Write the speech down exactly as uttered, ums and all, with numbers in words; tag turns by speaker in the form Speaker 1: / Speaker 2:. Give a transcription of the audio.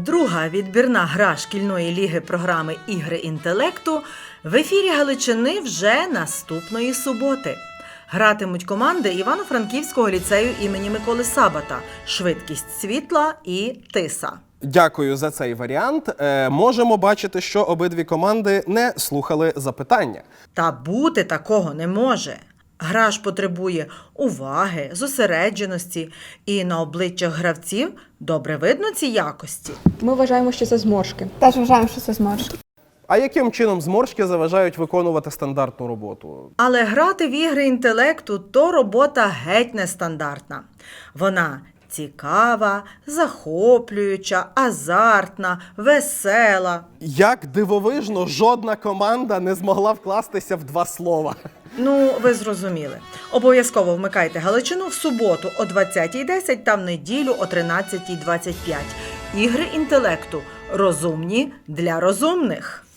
Speaker 1: Друга відбірна гра шкільної ліги програми «Ігри інтелекту» в ефірі Галичини вже наступної суботи. Гратимуть команди Івано-Франківського ліцею імені Миколи Сабата «Швидкість світла» і «Тиса».
Speaker 2: Дякую за цей варіант. Е, можемо бачити, що обидві команди не слухали запитання.
Speaker 1: Та бути такого не може. Гра ж потребує уваги, зосередженості, і на обличчях гравців добре видно ці якості.
Speaker 3: Ми вважаємо, що це зморшки.
Speaker 4: Теж вважаємо, що це зморшки.
Speaker 2: А яким чином зморшки заважають виконувати стандартну роботу?
Speaker 1: Але грати в ігри інтелекту – то робота геть нестандартна. Вона цікава, захоплююча, азартна, весела.
Speaker 2: Як дивовижно, жодна команда не змогла вкластися в два слова.
Speaker 1: Ну, ви зрозуміли. Обов'язково вмикайте Галичину в суботу о двадцятій десять та в неділю о тринадцятій двадцять п'ять. Ігри інтелекту. Розумні для розумних.